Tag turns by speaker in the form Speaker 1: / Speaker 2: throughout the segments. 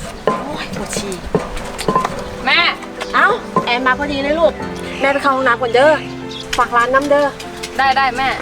Speaker 1: โอ้ยปวดฉี่
Speaker 2: แม่
Speaker 1: เอ้าแอนมาพอดีเลยลูกแม่ไปเข้าห้องน้ำก่อนเด้อฝากร้านน้ำเด้อ
Speaker 2: ได้แม่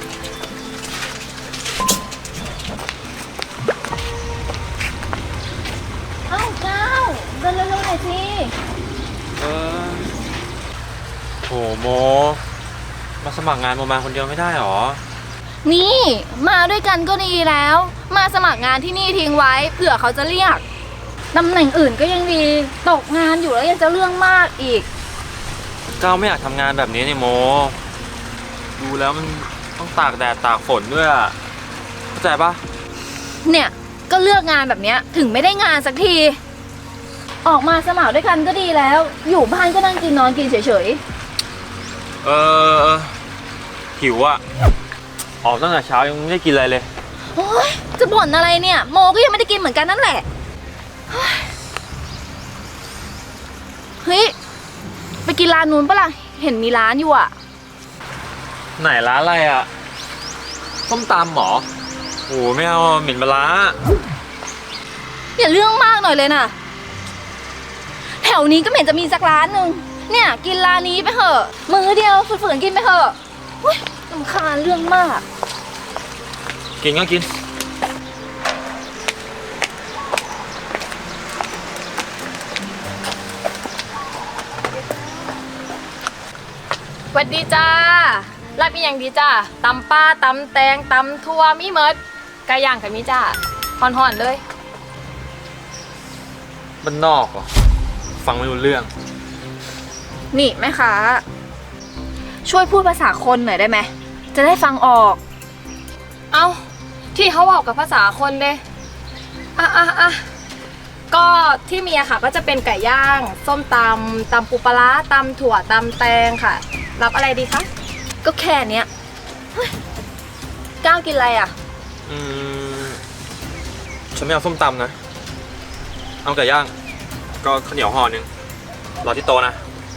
Speaker 3: เอ้าก้าวเดินเร็วๆหน่อยสิ
Speaker 4: เออโหโมมาสมัครงานโมมาคนเดียวไม่ได้หรอ
Speaker 3: นี่มาด้วยกันก็ดีแล้วมาสมัครงานที่นี่ทิ้งไว้เผื่อเขาจะเรียกตำแหน่งอื่นก็ยังดีตกงานอยู่แล้วยังจะเรื่องมากอีก
Speaker 4: ก้าวไม่อยากทำงานแบบนี้นี่โมดูแล้วมันต้องตากแดดตากฝนด้วยอะเข้าใจปะ
Speaker 3: เนี่ยก็เลือกงานแบบเนี้ยถึงไม่ได้งานสักทีออกมาสมัครด้วยกันก็ดีแล้วอยู่บ้านก็นั่งกินนอนกินเฉย
Speaker 4: หิวอะออกตั้งแต่เช้ายังไม่ได้กินอะไรเลย
Speaker 3: โอ๊ยจะบ่นอะไรเนี่ยโมก็ยังไม่ได้กินเหมือนกันนั่นแหละเฮ้ยไปกินร้านนู้นปะล่ะเห็นมีร้านอยู่อะ
Speaker 4: ไหนร้านอะไรอะส้มตำหรอโอ้ไม่เอาเหม็นปลาร้า
Speaker 3: อย่าเรื่องมากหน่อยเลยนะแถวนี้ก็ไม่เห็นจะมีสักร้านหนึ่งเนี่ยกินร้านนี้ไปเถอะมื้อเดียวฝืนๆกินไปเถอะรำคาญเรื่องมาก
Speaker 4: กินก็กิน
Speaker 2: สวัสดีจ้ารับอีกอย่างดีจ้าตำป้าตำแตงตำทั่วมีเมิดไก่ย่างกับมีจ้าห่อนๆเลย
Speaker 4: บ้านนอกเหรอฟังไม่รู้เรื่อง
Speaker 3: นี่แม่ค้าช่วยพูดภาษาคนหน่อยได้ไหมจะได้ฟังออก
Speaker 2: เอาที่เขาบอกกับภาษาคนเด้ก็ที่มีอะค่ะก็จะเป็นไก่ย่างส้มตำปูปลาตำถั่วตำแตงค่ะรับอะไรดีคะ
Speaker 3: ก็แค่เนี้ยก้าวกินอะไรอ่ะ
Speaker 4: ฉันไม่เอาส้มตำนะเอาไก่ย่างก็ข้าวเหนียวห่อนึงรอที่โต๊ะนะ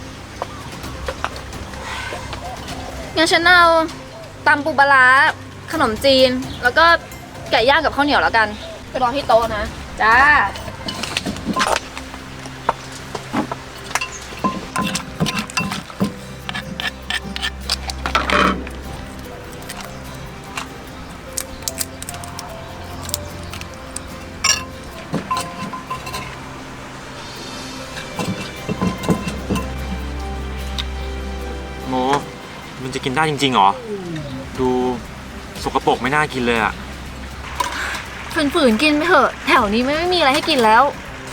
Speaker 3: งั้นฉันเอาตำปูปลาขนมจีนแล้วก็ไก่ย่างกับข้าวเหนียวแล้วกันไปรอที่โต๊ะนะ
Speaker 2: จ้า
Speaker 4: โมมันจะกินได้จริงๆเหรอดูสกปรกไม่น่ากินเลยอะ
Speaker 3: ฝืนๆกินไปเถอะแถวนี้ไม่มีอะไรให้กินแล้ว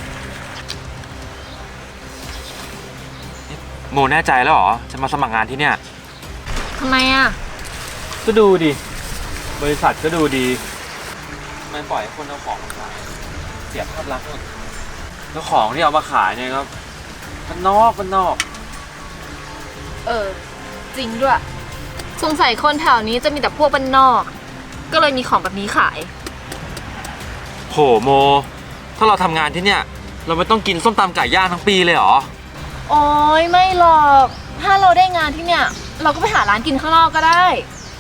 Speaker 4: โมแน่ใจแล้วเหรอจะมาสมัครงานที่เนี่ย
Speaker 3: ทำไมอ่ะ
Speaker 4: ก็ดูดิบริษัทก็ดูดีไม่ปล่อยให้คนเอาของมาขายเสียภาพลักษณ์แล้วของที่เอามาขายเนี่ยครับมันนอก
Speaker 3: จริงด้วยสงสัยคนแถวนี้จะมีแต่พวกบ้านนอกก็เลยมีของแบบนี้ขาย
Speaker 4: โหโมถ้าเราทำงานที่เนี่ยเราไม่ต้องกินส้มตำไก่ย่างทั้งปีเลยเหรอ
Speaker 3: โอ้ยไม่หรอกถ้าเราได้งานที่เนี่ยเราก็ไปหาร้านกินข้างนอกก็ได้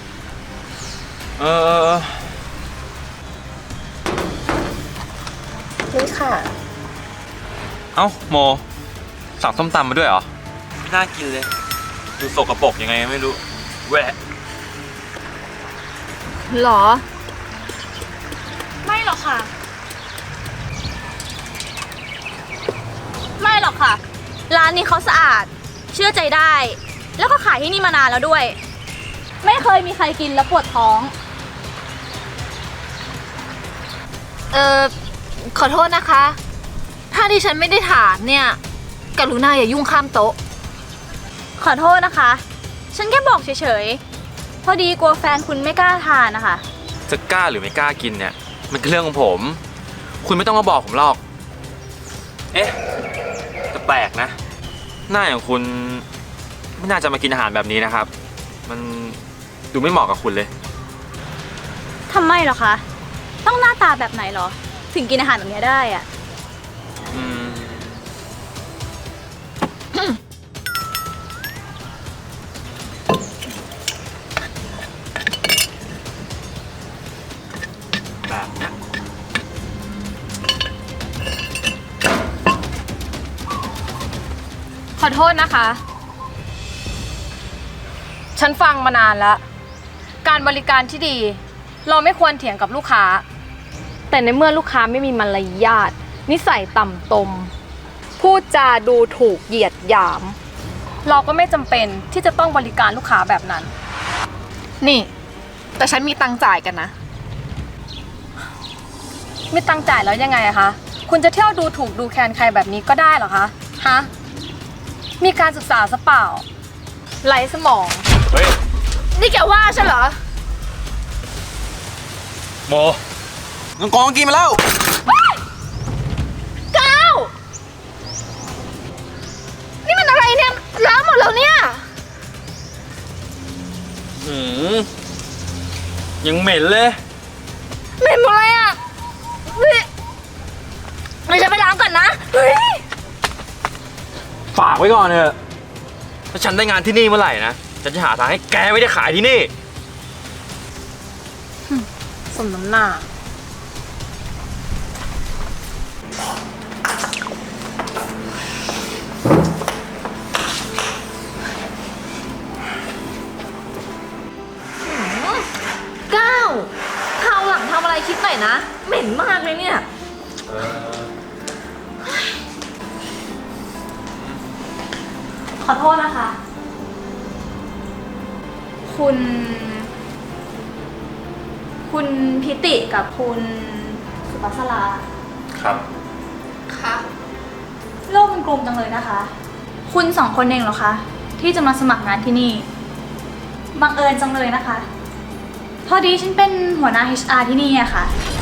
Speaker 1: นี่ค่ะ
Speaker 4: เอ้าโมสั่งส้มตำมาด้วยเหรอไม่น่ากินเลยดูสกปรกยังไงไม่รู้แหวะ
Speaker 3: หรอ
Speaker 2: ไม่หรอกค่ะ
Speaker 3: ไม่หรอกค่ะร้านนี้เขาสะอาดเชื่อใจได้แล้วก็ขายที่นี่มานานแล้วด้วยไม่เคยมีใครกินแล้วปวดท้องขอโทษนะคะถ้าดิฉันไม่ได้ถามเนี่ยกรุณาอย่ายุ่งข้ามโต๊ะขอโทษนะคะฉันแค่บอกเฉยๆพอดีกลัวแฟนคุณไม่กล้าทานนะคะ
Speaker 4: จะกล้าหรือไม่กล้ากินเนี่ยมันคือเรื่องของผมคุณไม่ต้องมาบอกผมหรอกเอ๊ะแต่แปลกนะหน้าอย่างคุณไม่น่าจะมากินอาหารแบบนี้นะครับมันดูไม่เหมาะกับคุณเลย
Speaker 3: ทำไมเหรอคะต้องหน้าตาแบบไหนเหรอถึงกินอาหารแบบนี้ได้อะ
Speaker 4: แบบนี้
Speaker 2: ขอโทษนะคะ ฉันฟังมานานแล้ว การบริการที่ดี เราไม่ควรเถียงกับลูกค้า แต่ในเมื่อลูกค้าไม่มีมารยาทนิสัยต่ำตมพูดจาดูถูกเหยียดหยาม เราก็ไม่จำเป็นที่จะต้องบริการลูกค้าแบบนั้น
Speaker 1: นี่ แต่ฉันมีตังค์จ่ายกันนะ
Speaker 2: ไม่ตั้งจ่ายแล้วยังไงอะคะ คุณจะเที่ยวดูถูกดูแคลนใครแบบนี้ก็ได้เหรอคะ ฮะ มีการศึกษาซะเปล่าไร้สมอง
Speaker 4: เฮ้ย
Speaker 3: นี่แกว่าฉันเหรอ
Speaker 4: โมน้องกองกินมาแล้ว
Speaker 3: ก้าว นี่มันอะไรเนี่ยล้างหมดแล้วเนี่ย
Speaker 4: ยังเหม็นเลย
Speaker 3: เหม็นหมดเลยอ่ะเฮ้ยเดี๋ยวฉันไปล้างก่อนนะ เฮ้ย
Speaker 4: ฝากไว้ก่อนเถอะถ้าฉันได้งานที่นี่เมื่อไหร่นะ ฉันจะหาทางให้แกไม่ได้ขายที่นี่
Speaker 2: สมน้ำหน้า
Speaker 3: ก้าวคราวหลังทำอะไรคิดหน่อยนะ เหม็นมากเลยเนี่ย ขอโทษนะคะ คุณพิติกับคุณสุภัสรา
Speaker 4: ครับ
Speaker 3: คะโลกมันกลมจังเลยนะคะ คุณสองคนเองเหรอคะ ที่จะมาสมัครงานที่นี่ บังเอิญจังเลยนะคะ พอดีฉันเป็นหัวหน้า HR ที่นี่อะค่ะ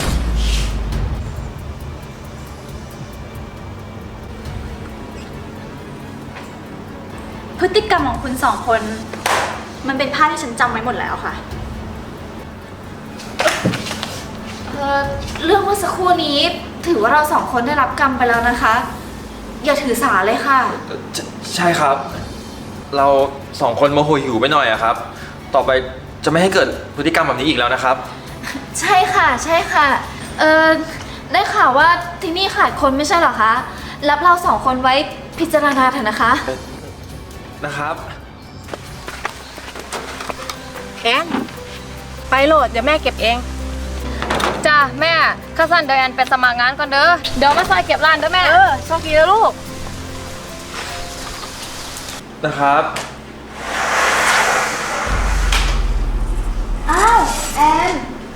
Speaker 3: พฤติกรรมของคุณสองคน มันเป็นภาพที่ฉันจำไว้หมดแล้วค่ะ เรื่องเมื่อสักครู่นี้ถือว่าเราสองคนได้รับกรรมไปแล้วนะคะ อย่าถือสาเลยค่ะ
Speaker 4: ใช่ครับ เราสองคนโมโหหิวไปหน่อยอะครับ ต่อไปจะไม่ให้เกิดพฤติกรรมแบบนี้อีกแล้วนะครับ
Speaker 3: ใช่ค่ะใช่ค่ะ ได้ข่าวว่าที่นี่ขาดคนไม่ใช่เหรอคะ รับเราสองคนไว้พิจารณาเถอะนะคะ
Speaker 4: นะครับ
Speaker 1: แอนไปโหลด เดี๋ยวแม่เก็บเอง
Speaker 2: จ้าแม่ข้าสั้นเดี๋ยวแอนไปสมัครงานก่อนเด้อ เดี๋ยวมาซอยเก็บร้านเด้อแม่
Speaker 1: โชคดีนะลูก
Speaker 4: นะครับ
Speaker 3: อ้าว แอน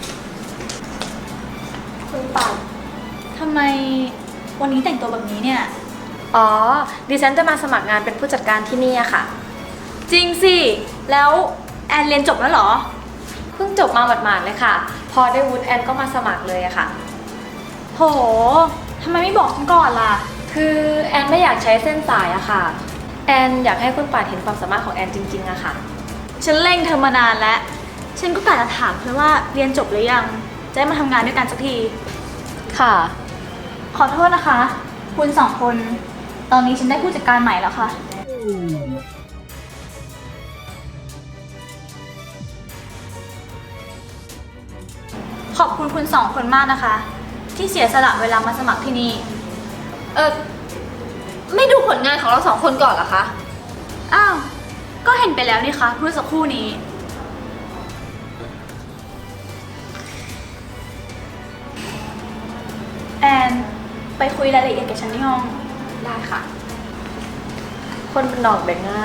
Speaker 3: คุณปัดทำไมวันนี้แต่งตัวแบบนี้เนี่ย
Speaker 2: อ๋อ ดิฉันจะมาสมัครงานเป็นผู้จัดการที่นี่อะค่ะ
Speaker 3: จริงสิ แล้วแอนเรียนจบแล้วเหรอ
Speaker 2: เพิ่งจบมาหมาดๆเลยค่ะ พอได้วุฒิแอนก็มาสมัครเลยอะค่ะ
Speaker 3: โหทำไมไม่บอกฉันก่อนล่ะ
Speaker 2: คือแอนไม่อยากใช้เส้นสายอะค่ะ แอนอยากให้คุณป่านเห็นความสามารถของแอนจริงๆอะค่ะ
Speaker 3: ฉันเร่งเธอมานานแล้ว ฉันก็กะจะถามเธอว่าเรียนจบหรือยัง จะได้มาทำงานด้วยกันสักที
Speaker 2: ค่ะ
Speaker 3: ขอโทษนะคะ คุณสองคน ตอนนี้ฉันได้ผู้จัดการใหม่แล้วค่ะ ขอบคุณคุณสองคนมากนะคะ ที่เสียสละเวลามาสมัครที่นี่ ไม่ดูผลงานของเราสองคนก่อนเหรอคะ อ้าว ก็เห็นไปแล้วนี่คะเมื่อสักครู่นี้ แอน ไปคุยรายละเอียดกับฉันที่ห้อง
Speaker 2: ได้ค่ะ คนเป็นดอกแบ่งงาน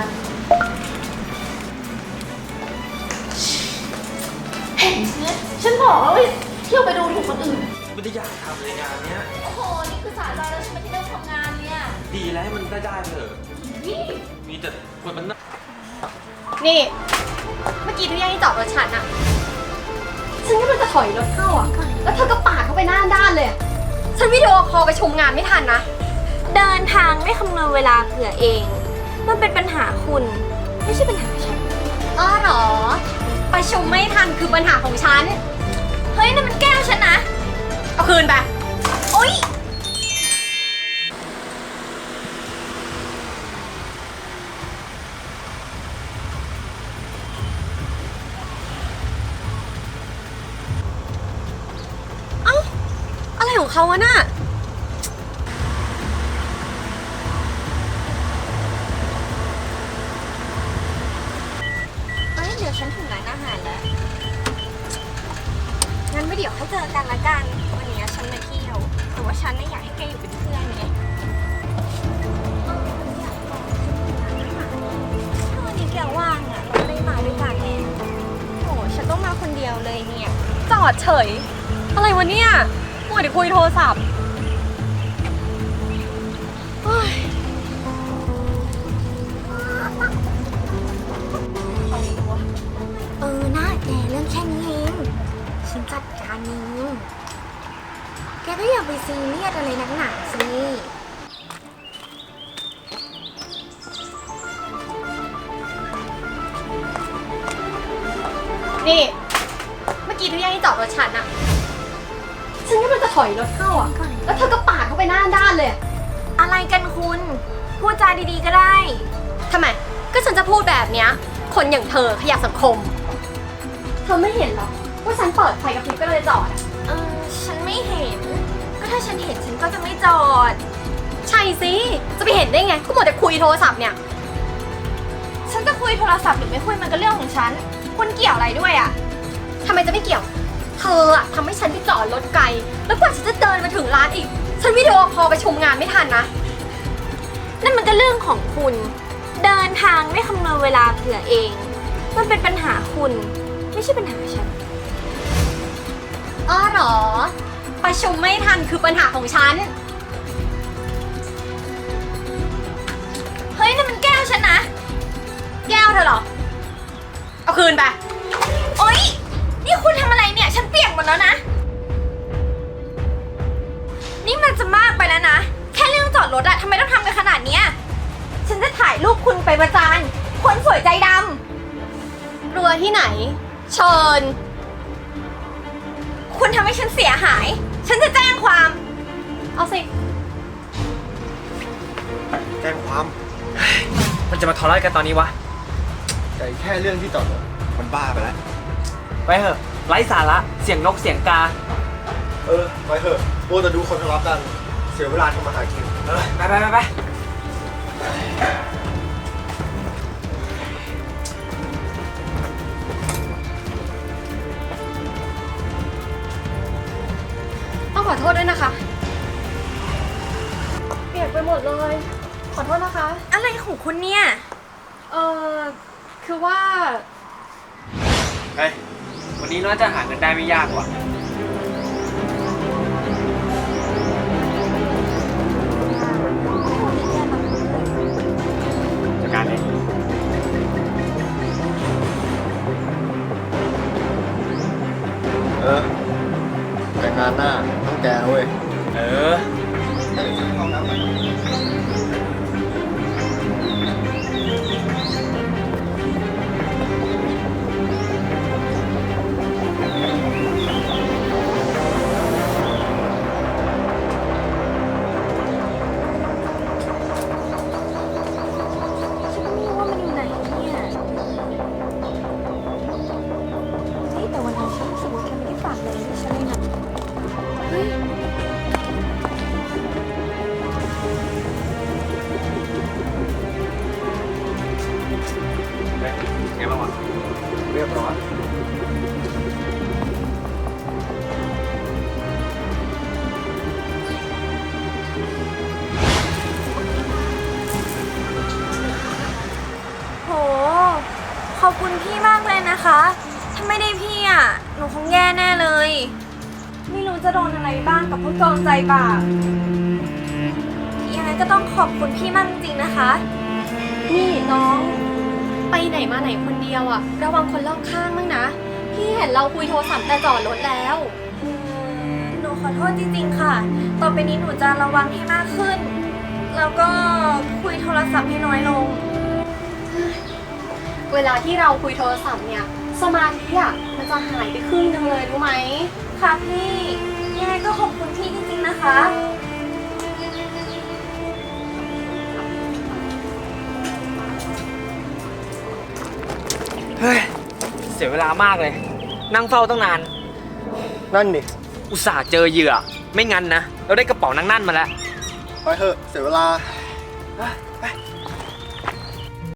Speaker 3: เห็นใช่ไหมฉันบอกแล้วว่าเที่ยวไปดูถูกคนอื่น
Speaker 4: ไม่ได้อยากทำเลยงานเนี้ย
Speaker 3: โอ้โห นี่คือสายใจแล้วใช่ไหมที่เริ่มทำงานเนี่ย
Speaker 4: ดีแล้วให้มันได้เถอะ
Speaker 3: นี่
Speaker 4: มีแต่คนมันน่า
Speaker 1: นี่ เมื่อกี้ที่แย่งที่จอดรถฉันอะฉันก็มันจะถอยรถเข้าอะแล้วเธอก็ปาดเข้าไปหน้าด้านเลยอะฉันวิดีโอคอลไปชมงานไม่ทันนะ
Speaker 5: เดินทางไม่คำนวณเวลาเผื่อเอง มันเป็นปัญหาคุณ ไม่ใช่ปัญหาฉัน
Speaker 1: อ๋อเหรอ ประชุมไม่ทันคือปัญหาของฉัน
Speaker 5: เฮ้ยนั่นมันแก้วฉันนะ
Speaker 1: เอาคืนไป
Speaker 5: โอ๊ย
Speaker 1: อะไรของเขาวะน่ะ
Speaker 5: เดี๋ยวให้เจอกันละกัน วันนี้ฉันมาเที่ยว แต่ว่าฉันไม่อยากให้แกอยู่เป็นเพื่อนไงถ้าวันนี้แกว่างอ่ะเราได้มาด้วยกันไงโอ้ฉันต้องมาคนเดียวเลยเนี่ย
Speaker 1: จอดเฉย อะไรวะเนี่ยมัวแต่คุยโทรศัพท์เฮ้ย
Speaker 5: หน้าแกเรื่องแค่นี้เองฉันจัดการเองแกก็อย่าไปซีเรียสอะไรนักหนาสิ
Speaker 1: นี่ เมื่อกี้ทุกอย่างที่จอดรถฉันอะฉันก็มันจะถอยรถเข้าอะแล้วเธอก็ปาดเข้าไปหน้าด้านเลย
Speaker 5: อะไรกันคุณ พูดจาดีๆก็ได้
Speaker 1: ทำไม ก็ฉันจะพูดแบบเนี้ย คนอย่างเธอขยะสังคม เธอไม่เห็นหรอว่าฉันเปิดไฟกระพริบก็เลยจอดอะ
Speaker 5: ฉันไม่เห็น ก็ถ้าฉันเห็นฉันก็จะไม่จอด
Speaker 1: ใช่สิ จะไปเห็นได้ไง ก็หมดแต่คุยโทรศัพท์เนี่ย
Speaker 5: ฉันจะคุยโทรศัพท์หรือไม่คุยมันก็เรื่องของฉัน คุณเกี่ยวอะไรด้วยอะ
Speaker 1: ทำไมจะไม่เกี่ยว เธออะทำให้ฉันไปจอดรถไกล แล้วกว่าฉันจะเดินมาถึงร้านอีก ฉันวิดีโอคอลไปชมงานไม่ทันนะ
Speaker 5: นั่นมันก็เรื่องของคุณ เดินทางไม่คำนวณเวลาเผื่อเอง มันเป็นปัญหาคุณ ไม่ใช่ปัญหาฉัน
Speaker 1: อ้อเหรอ ประชุมไม่ทันคือปัญหาของฉัน
Speaker 5: เฮ้ยนั่นมันแก้วฉันนะ
Speaker 1: แก้วเธอเหรอ เอาคืนไป
Speaker 5: โอ๊ย นี่คุณทำอะไรเนี่ย ฉันเปียกหมดแล้วนะ นี่มันจะมากไปแล้วนะ แค่เรื่องจอดรถอะทำไมต้องทำกันขนาดเนี้ย ฉันจะถ่ายรูปคุณไปประจานคนสวยใจด
Speaker 1: กลัวที่ไหน เชิญ
Speaker 5: ำ คุณทำให้ฉันเสียหาย ฉันจะแจ้งความ
Speaker 1: เอาสิ
Speaker 6: แจ้งความ
Speaker 4: มันจะมาทะเลาะกันตอนนี้วะ
Speaker 6: แต่แค่เรื่องที่จอดรถมันบ้าไปแล้ว
Speaker 4: ไปเถอะ ไร้สาระ เสียงนกเสียงกา
Speaker 6: ไปเถอะโว้แต่ดูคนทะเลาะกัน เสียเวลาทำมาหากิน
Speaker 4: ไป
Speaker 1: ต้องขอโทษด้วยนะคะ เปียกไปหมดเลย ขอโทษนะคะ
Speaker 5: อะไรของคุณเนี่ย
Speaker 1: คือว่า
Speaker 4: เฮ้ย วันนี้น่าจะหาเงินได้ไม่ยากว่ะจัดการเลย
Speaker 6: แต่งานหน้าต้องแกเว้ย
Speaker 4: เออ
Speaker 5: ฉันไม่รู้ว่ามันอยู่ไหนเนี่ยเฮ้ยแต่วันนั้นฉันรู้สึกว่าแกไม่ได้ฝากเลยให้ฉันเลยนะเฮ้ย
Speaker 4: ไงบ้างวะ
Speaker 6: เรียบร้อย
Speaker 5: โห ขอบคุณพี่มากเลยนะคะ ถ้าไม่ได้พี่อ่ะ หนูคงแย่แน่เลย ไม่รู้จะโดนอะไรบ้างกับพวกโจรใจบาปยังไงก็ต้องขอบคุณพี่มากจริงๆนะคะ
Speaker 1: นี่น้อง ไปไหนมาไหนคนเดียวอะระวังคนรอบข้างบ้างนะ พี่เห็นเราคุยโทรศัพท์แต่จอดรถแล้ว
Speaker 5: หนูขอโทษจริงๆค่ะ ต่อไปนี้หนูจะระวังให้มากขึ้น แล้วก็คุยโทรศัพท์ให้น้อยลง
Speaker 1: เวลาที่เราคุยโทรศัพท์เนี่ย สมาธิอะมันจะหายไปครึ่งนึงเลยรู้ไหม
Speaker 5: ค่ะพี่ ยังไงก็ขอบคุณพี่จริงๆนะคะ
Speaker 4: เฮ้ย เสียเวลามากเลย นั่งเฝ้าตั้งนาน
Speaker 6: นั่นดิ
Speaker 4: อุตส่าห์เจอเหยื่อ ไม่งั้นนะ เราได้กระเป๋านั่งนั่นมาแล้ว
Speaker 6: ไปเถอะ เสียเวลา
Speaker 4: ไป